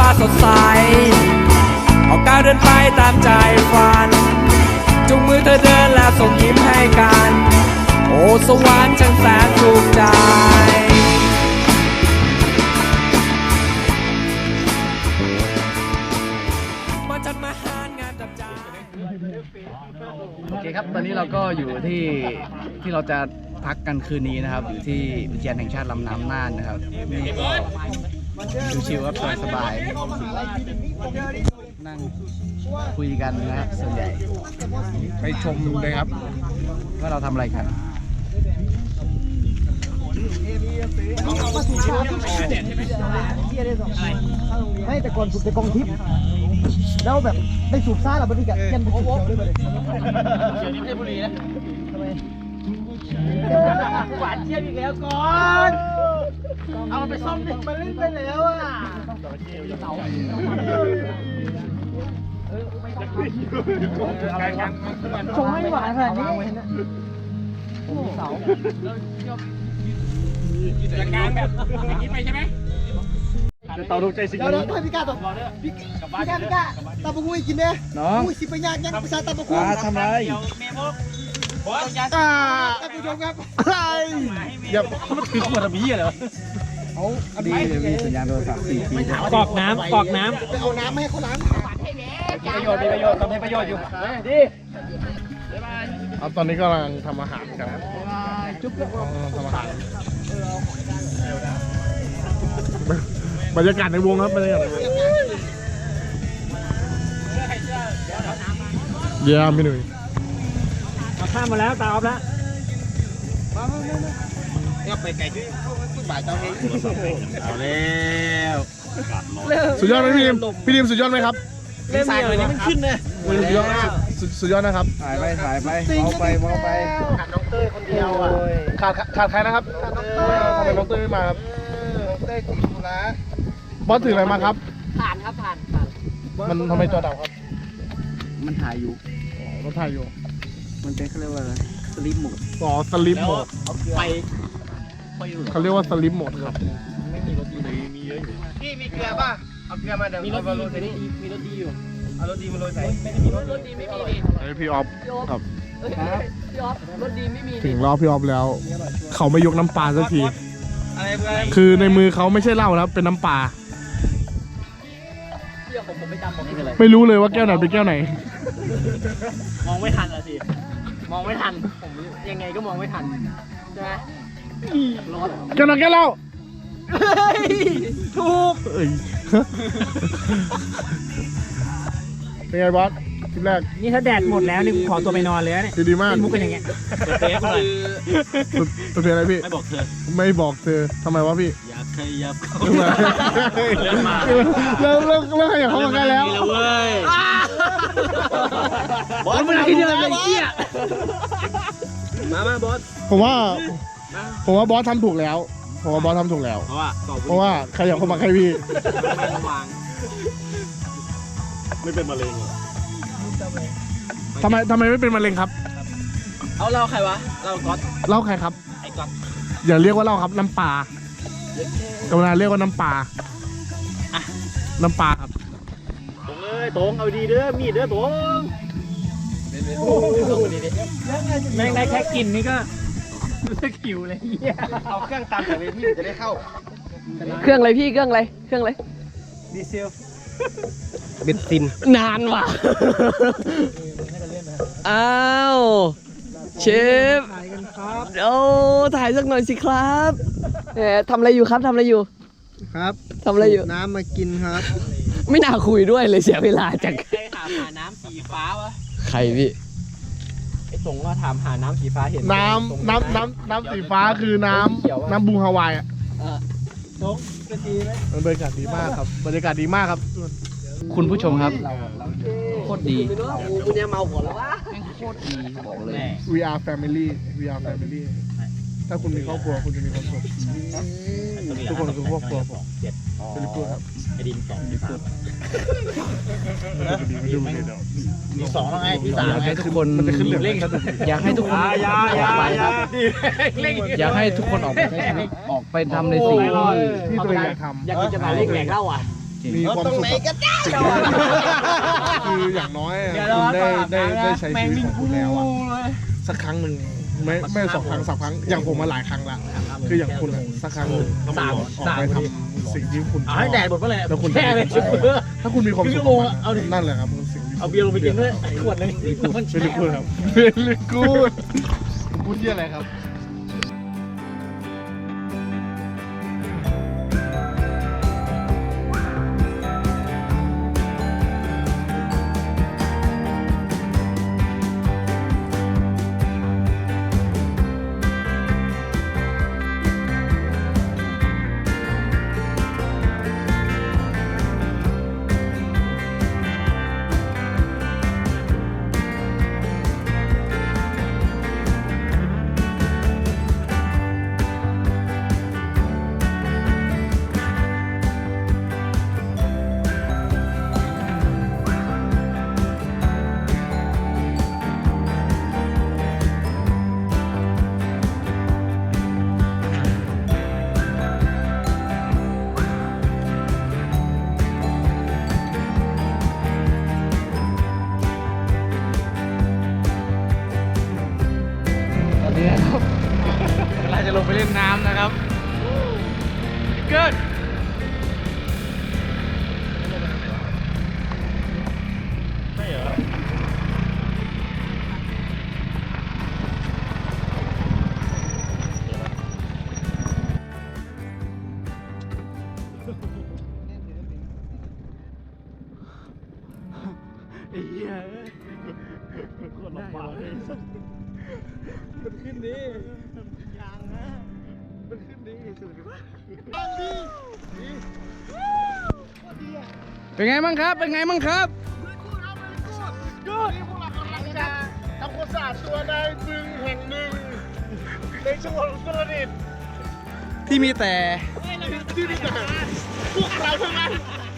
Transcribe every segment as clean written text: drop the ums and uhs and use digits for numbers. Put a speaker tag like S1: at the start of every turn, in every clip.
S1: สดใสออกก้าวเดินไปตามใจฝันจุงมือเธอเดินแล้วส่งยิ้มให้กันโอ้สวรรค์ช่างแสนถูกใจมาจัดมาหางานจับใจ
S2: โอเคครับตอนนี้เราก็อยู่ที่เราจะพักกันคืนนี้นะครับอยู่ที่อุทยานแห่งชาติลำน้ำน่านนะครับนี่ก็ชิวๆครับสบายๆนั่งคุยกันนะครับส่วนใหญ่ไปชมเลยครับว่าเราทำอะไรกัน
S3: ไม่แต่ก่อนสูบแต่กองทิพย์แล้วแบบได้สูบซ่าหรอบัดนี้กันยันสูบเขียวด้วยเขียวนี่ไม่ใช่บุหรี่นะทำไมหวานเจี๊ยบอีกแล้วก่อนเอาไปซ่อมดิมันเล่นไปแล้วอ่ะชงให้หวานขนาดนี้เสา
S1: จัดการแบบอย่างนี้ไปใช่ไหม
S3: จะต่อถูกใจสิ่งนี้เดี๋ยวพี่กาต่อพี่กาตาบุ้ยกินเนี่ยน้องสิไปยากยังภาษาตาบุ้ย
S2: ทำไร
S3: ท่านผู้ชมครับอะไร
S2: อย่ามันถือขวดแบบนี้เหรอเอาดีมีสัญญาณโทรศัพท์4 ปี
S1: กอกน้ำไปเอาน้
S3: ำให้เขาล้าง
S2: มีประโยชน์ทำให้ประโยชน์อยู่ดี
S4: ตอนนี้กำลังทำอาหารกันทำอาหารบรรยากาศในวงครับบรรยากาศในวงเยี่ยมพี่หนุ่ย
S1: ข้ามมาแล้วตาออฟแล้ว
S3: ไปไก่ที่บ่ายเจ้าเอง
S4: เอาแล้วสุดยอดไหมพี่ดิมสุดยอดไหมครับ
S3: เล่นสายเลยนี่มันขึ้นเลย
S4: สุดยอดนะครับ
S2: ถ่ายไปมองไป
S3: ขาดน้องเต้ยคนเดียวอ่ะ
S4: ขาดใครนะครับทำไมน้องเต้ยไม่มาครับ
S3: น้องเต้ยติดธุระ
S4: บอสถืออะไรมาครับ
S3: ผ่าน
S4: มันทำไมจอดับครับ
S2: มันถ่ายอยู่
S4: รถถ่ายอยู่
S2: มันเป็นเขาเรียกว่าสลิปโหมด
S4: สลิปโหมด
S3: ไป
S4: เขาเรียกว่าสลิปโหมดครับ
S3: ไม่มีรถดีเลยมีเยอะอยู่พี่มีเกลือป่ะเอาเกลือมาเดี๋ยวมีรถดีมีรถดีอยู่เอารถดีมาโรยใส่ไม่มีรถดีไม่มี
S4: พี่ออฟครับ
S3: พี่ออฟรถดีไม่มี
S4: ถึงรอบพี่ออฟแล้วเขาไม่ยกน้ำปลาสักทีคือในมือเขาไม่ใช่เหล้านะเป็นน้ำปลาไม่รู้เลยว่าแก้วไหนเป็นแก้วไหน
S3: มองไม่ทันละสิมองไม่ทันผมยังไงก็มองไม่ทันใช่ไหมร้อน
S4: แก้วไหนแก้วเหล้า
S3: ถูก
S4: เป็นไงบอสคลิปแรก
S1: นี่ถ้าแดดหมดแล้วนี่ขอตัวไปนอนเลยเนี่ย
S4: ดีมาก
S1: มุกกันอย่างเงี้ย
S3: เป๊ะเลย
S4: ตัวเพลงอะไรพี่
S3: ไม่บอกเ
S4: ธอทำไมวะพี่
S3: อยากขยับเข้า
S4: เริ่มขยับเข้ามาใกล้แล้ว
S3: เว้ยบอสมันคิดอะไรไอ้เหี้ยมาบอส
S4: ผมว่าบอสทำถูกแล้วเพราะว่าขยับเข้ามาใกล้พี่ไม่เป็นมะเร็งทำไมไม่เป็นมะเร็งครับ
S3: เอาเล่าใครวะเล่าก๊อต
S4: เล่าใครครับ
S3: ไอ้ก๊อต
S4: อย่าเรียกว่าเล่าครับน้ำปลาเวลาเรียกว่าน้ำปลาครับ
S3: ตรงเลยตรงเอาดีเด้อมีดเด้อตรง
S1: แม่งได้แค่กินนี่ก็หิวเลย
S3: เอาเครื่องตามจากเวทีจะได้เข้า
S5: เครื่องอะไรพี่เครื่องอะไร
S3: ดีเซล
S4: เบนซิน
S5: นานว่ะอ้าวเชฟโอ้ถ่ายสักหน่อยสิครับทำอะไรอยู่ครับ
S3: ครับ
S5: ทำอะไรอยู่
S3: น้ำมากินครับ
S5: ไม่น่าคุยด้วยเลยเสียเวลาจัง
S3: ใครถามหาน้ำสีฟ้าวะ
S5: ใครพี่
S3: ไอ้ตรงก็ถามหาน้ำสีฟ้าเห็น
S4: น้ำสีฟ้าคือน้ำบูฮาวายอ่ะ
S3: ตรงเป็นดีไหม
S4: บรรยากาศดีมากครับ
S2: คุณผู้ชมครับโคตรดี
S3: คุณเนี่ยเมาก่อนแล้ววะ
S2: โคตรดีบอกเลย
S4: we are family ถ้าคุณมีครอบครัวคุณจะมีความสุขทุกคนคือครอบครัวผมเป็นพูดครับ
S3: ไอ้ดิน2 ที่พูดมี2แล้วไงที่3
S2: อยากให้ทุกคน
S4: มันจะขึ้นเร่ง
S2: อยากให้ทุกคนอยากให้ทุกคนออกไปใช้ชีวิตออกไปทำในสิ่ง
S4: ที่ตัวเองอยากทำ
S3: อยากกินจะมาเล่นแหลกเล่าอ่ะ
S4: มีความสุขกับสิ่งที่คืออย่างน้อยอะคุณได้ใช้ชีวิตของคุณแล้วอะสักครั้งหนึ่งไม่2 ครั้ง3 ครั้งอย่างผมมาหลายครั้งละคืออย่างคุณอะสักครั้งหนึ่งออกไปทำสิ่งที่คุณชอบให้แดดหมดเมื่อไหร่แล้วคุณถ้าคุณมีความสุขนั่นแหละครับสิ่งที่เอาเบียร์ลงไปกินด้วยขวดนึงเป็นลิกูดครับเป็นลิกูดพูดเยอะอะไรครับ
S2: เราจะลงไปเล่นน้ำนะครับเกิดเป็นไงบ้างครับ เป็นไงบ้างครับ
S4: ทำความสะอาดตัวในบึงแห่งหนึ่งในจังหวัดอุตรดิตถ์
S2: ที่มีแต่
S4: ที่นี่แต่พวกเราทั้งนั้น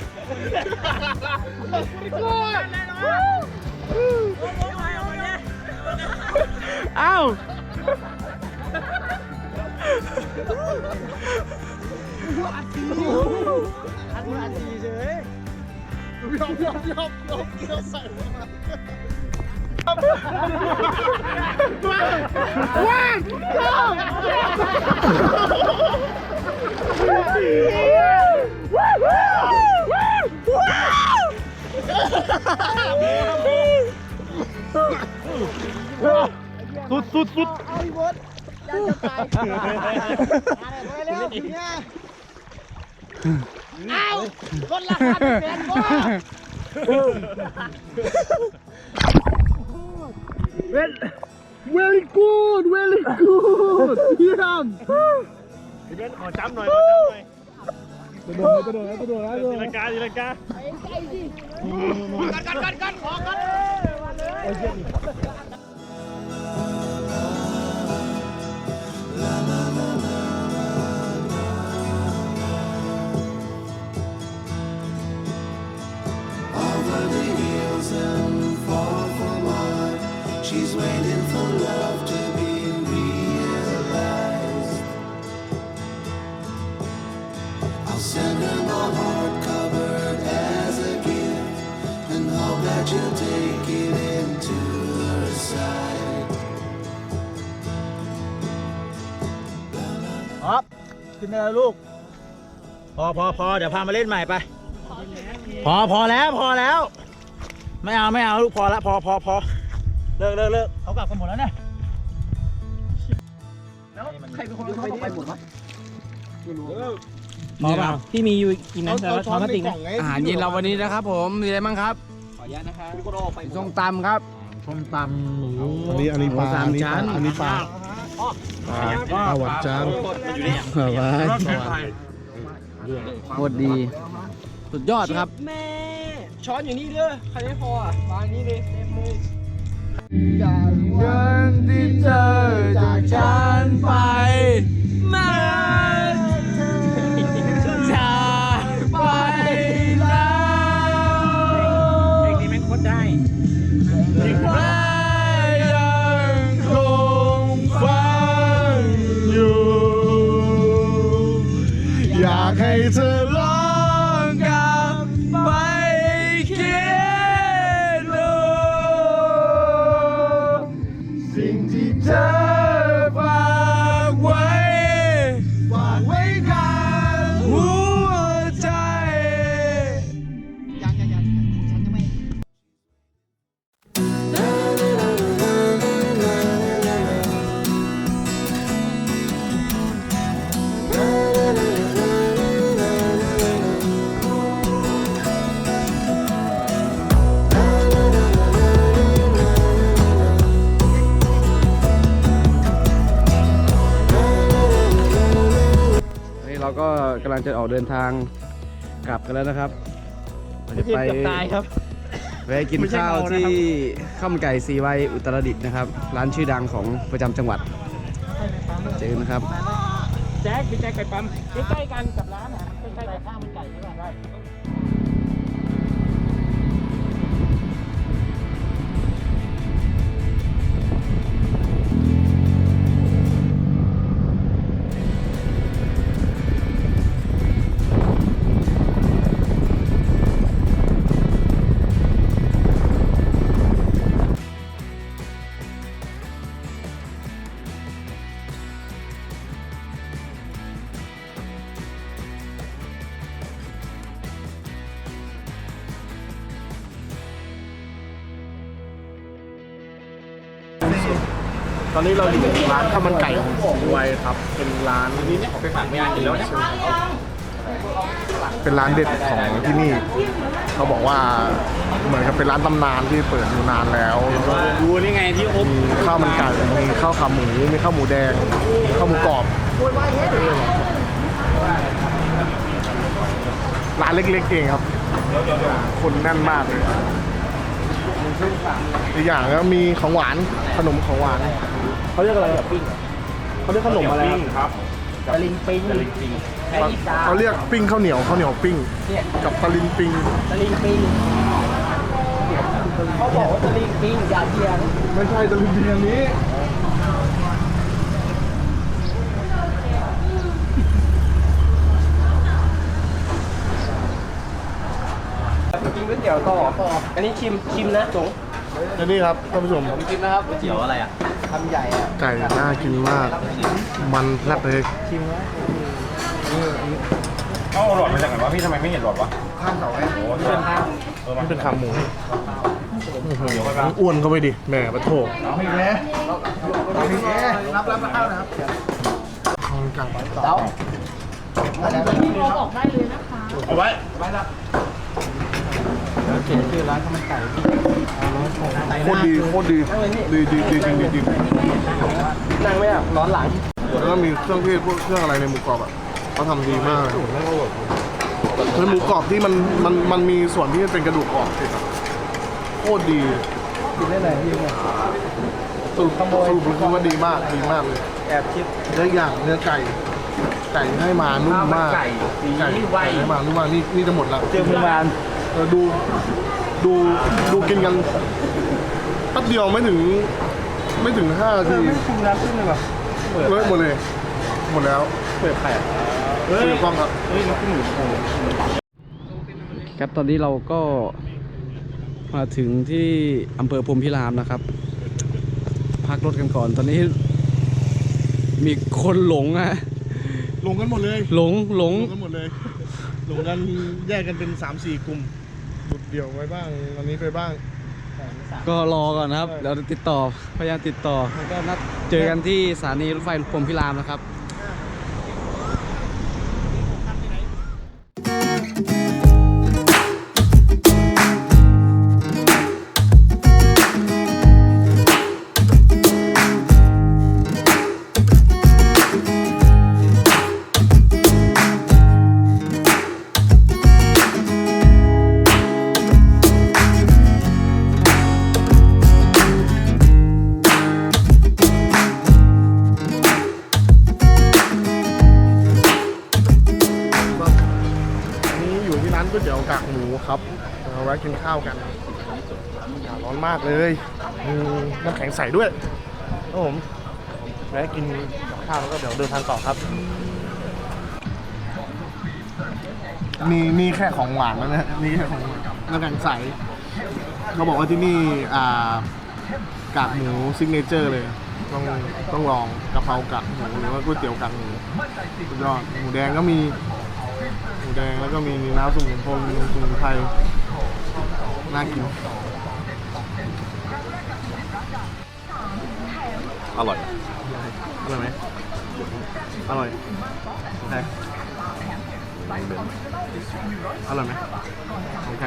S2: อ้าวสุด
S3: เอาอีบดอยากจะตายอะไรแล้วเนี่ยเอาคนละคันแฟนบ่
S4: very good เยี่ยม
S6: พี่เบนขอจ้ำหน่อย
S4: กระโดด
S6: ตีลังกา
S3: กันขอกัน
S7: Over the hills and far from mine, she's waiting for love to be realized. I'll send her my heart covered as a gift, and hope that you'll take it into her side.
S3: ครับขึ้นได้แล้วลูกพอเดี๋ยวพามาเล่นใหม่ไปพอแล้วไม่เอาลูกพอแล้วพอเลิกเขากลับกันหมดแล้วเนี่ยแล้วใครเป็นคนเขาไปหมดวะ
S2: นี่ครับ
S3: พี่มีอยู่กินนะแล้วช้อนพลาสติกนะ
S2: อาหารเย็นเราวันนี้นะครับผม มีอะไรบ้างครับ ขออนุญาตนะครับส้มตำครับ
S4: ส้มตำหมูอันนี้ปลา
S2: 3 ชั้น
S4: อันนี้ปลาหวานจาน
S2: โคตรดี สุดยอดครับ
S5: แม่ช้อนอยู่นี่เด้อใครไม่พออ่ะวางนี้เลยเต็มมือ
S2: เงินที่เธอจากฉันไปมาจากไปแล้วเพลงนี้แม่งโคตรได้แม่ยังคงฟังอยู่อยากให้เธอลองกับก็กำลังจะออกเดินทางกลับกันแล้วนะครับเราจะไปแวะกินข้าวที่ข้าวมันไก่สีวัยอุตรดิตถ์นะครับ ร้านชื่อดังของประจำจังหวัดเจอนะครับ
S6: แจ็คพี่แจ็คไก่ปั๊มใกล้ๆกันกับร้านนะใกล้ๆข้าวมันไก่ใช่ไหมได้
S4: ตอนนี้เราอยู่ร้านข้าวมันไก่ของสีวัยครับ เป็นร้านเป็นร้านเด็ดของที่นี่ เขาบอกว่าเหมือนกับเป็นร้านตำนานที่เปิดอยู่นานแล้วดูนี่ไงที่มีข้าวมันไก่มีข้าวขาหมูมีข้าวหมูแดงมีข้าวหมูกรอบร้านเล็กๆเองครับ คนแน่นมากเลยอีกอย่างก็มีของหวานขนมของหวานเขาเรียกอะไรแบบปิ้งเขาเรียกขนมอะไรครับตะลิงปิ้งเขาเรียกปิ้งข้าวเหนียวปิ้งกับตะลิงปิ้ง
S5: เขาบอกว่าตะลิงปิงอย่าเทียง
S4: ไม่ใช่ตะลิงปิ้งอันนี้
S5: กินก๋วยเตี๋ยวต่ออันนี้ชิมนะจง
S4: และนี่ครับท่านผู้ชม
S5: ผมกินนะครับก๋วยเตี๋ยวอะไรอ่ะทำใหญ่อ่ะ
S4: ไก่น่ากินมาก มันแซ่บเลย
S6: เอาหลอดมาจากไหนวะพี่ทำไมไม่เห็นหลอดวะ
S4: ข้ามเสาไอ้โอ้นี่เป็นขาหมูอ้วนเข้าไปดิแหมปะโถเอาอีกแล้วรับข้าวนะครับข้าวมันไก่เอาไว้
S2: เขียนชื่อร้านข้าวมันไก่
S4: โคตรดีจริง
S5: นั่งไหมอ่ะร้อนหลัง
S4: แล้วก็มีเครื่องเทศพวกเครื่องอะไรในหมูกรอบอ่ะเขาทำดีมากเลยคือหมูกรอบที่มันมีส่วนที่เป็นกระดูกอ่อนติดอ่ะโคตรดี
S2: กินได้เลยพี่เนี่ย
S4: สรุปคือว่าดีมากเลย
S2: แอบคิด
S4: แล้วอย่างเนื้อไก่ให้มานุ่มมากไก่ให้มานุ่มมากนี่จะหมดแล้ว
S2: เจอมือมาน
S4: ดูกินกันแป๊บเดียวไม่ถึง5 นาที
S2: คุมน้ำขึ้นเลยป่ะ
S4: หมดแล้ว
S2: เปิดไข่
S4: เฮ้ยกล้องครับ
S2: ครับตอนนี้เราก็มาถึงที่อำเภอพรหมพิรามนะครับ พักรถกันก่อนตอนนี้มีคนหลงอะ
S4: ลงกันหมดเลย
S2: หลง
S4: กันหมดเลยลงกันแยกกันเป็น 3-4 กลุ่มจุดเดี่ยวไว้บ้างอันนี้ไปบ้าง
S2: ก็รอก่อนนะครับเดี๋ยวพยายามติดต่อแล้วก็นัดเจอกันที่สถานีรถไฟพรหมพิรามนะครับ
S4: นี่อยู่ที่ร้านก๋วยเตี๋ยวกากหมูครับเราแวะกินข้าวกันร้อนมากเลยน้ำแข็งใสด้วยครับผมแวะกินข้าวแล้วก็เดี๋ยวเดินทางต่อครับนี่แค่ของหวานแล้วนะนี่แค่ของหวานน้ำแข็งใสเขาบอกว่าที่นี่กากหมูซิกเนเจอร์เลยต้องลองกะเพรากากหมูหรือว่าก๋วยเตี๋ยวกากหมูสุดยอดหมูแดงก็มีหมูแดงแล้วก็มีน้ำสมุนไพรน่ากินอร่อยไหมอร่อยโอเคอร่อยไหมโอเค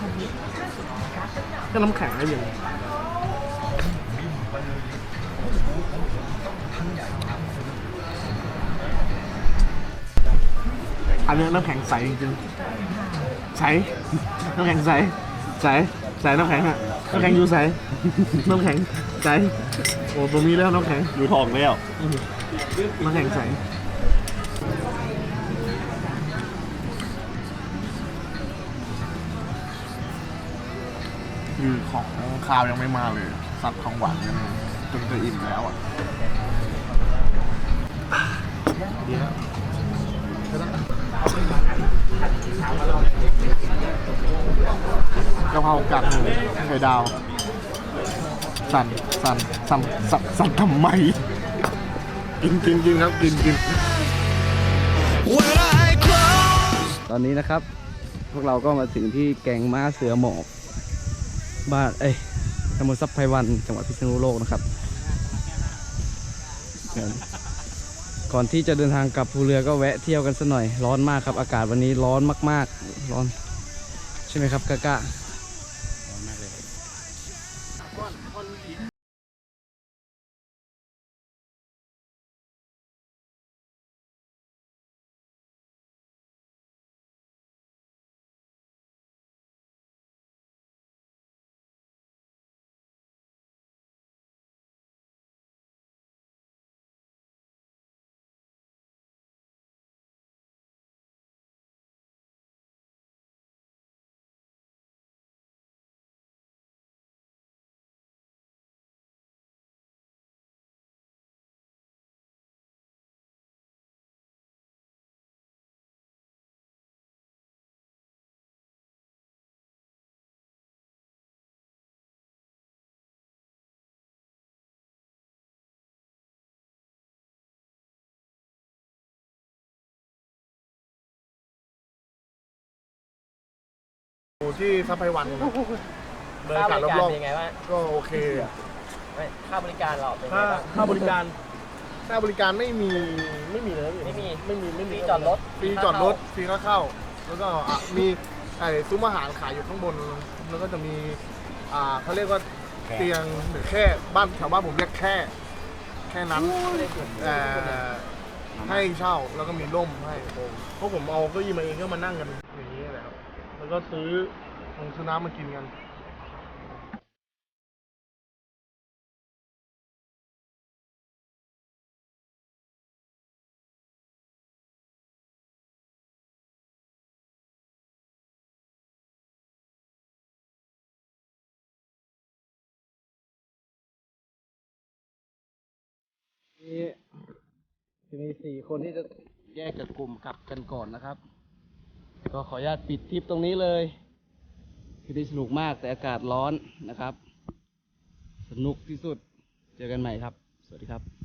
S4: ก็น้ำแข็งได้ยังอันนี้น้ำแข็งใสจริงๆใสน้ำแข็งใสใสใสน้ำแข็งอะน้ำแข็งอยู่ใสน้ำแข็งใสโอ้ตรงนี้แล้วน้ำแข็งอยู่ทองแล้วน้ำแข็งใสคือของข้าวยังไม่มาเลยซัดของหวานกันจนจะอิ่มแล้วอ่ะดีแล้วกะเพรากากหมูไข่ดาวสั่นทำไมกินครับกิน
S2: ตอนนี้นะครับ พวกเราก็มาถึงที่แก่งม้าเสือหมอบบ้านตำบลทรัพย์ไพวันจังหวัดพิษณุโลกนะครับก่อนที่จะเดินทางกลับภูเรือก็แวะเที่ยวกันสักหน่อยร้อนมากครับอากาศวันนี้ร้อนมากๆร้อนใช่ไหมครับกะร้อนมากเลย
S4: ที่ซัพไพวันบรรยากาศรอบๆก็โอเคอ่ะ
S5: ค่าบริการเราเป็นไงบ้าง
S4: ค่าบริการไม่มีเลย
S5: ไม่มี
S4: ไม่มี
S5: ฟรีจอดรถ
S4: ฟรีจอดรถฟรีค่าเข้าแล้วก็มีซุ้มอาหารขายอยู่ข้างบนแล้วก็จะมีเขาเรียกว่าเตียงหรือแค่บ้านแถวบ้านผมเรียกแค่นั้นให้เช่าแล้วก็มีร่มให้เพราะผมเอาเก้าอี้มาเองก็มานั่งกันอย่างนี้แหละครับแล้วก็ซื้อน้ำมากินกัน
S2: มี4 คนที่จะแยกจากกลุ่มกลับกันก่อนนะครับก็ขออนุญาตปิดทริปตรงนี้เลยคือได้สนุกมากแต่อากาศร้อนนะครับสนุกที่สุดเจอกันใหม่ครับสวัสดีครับ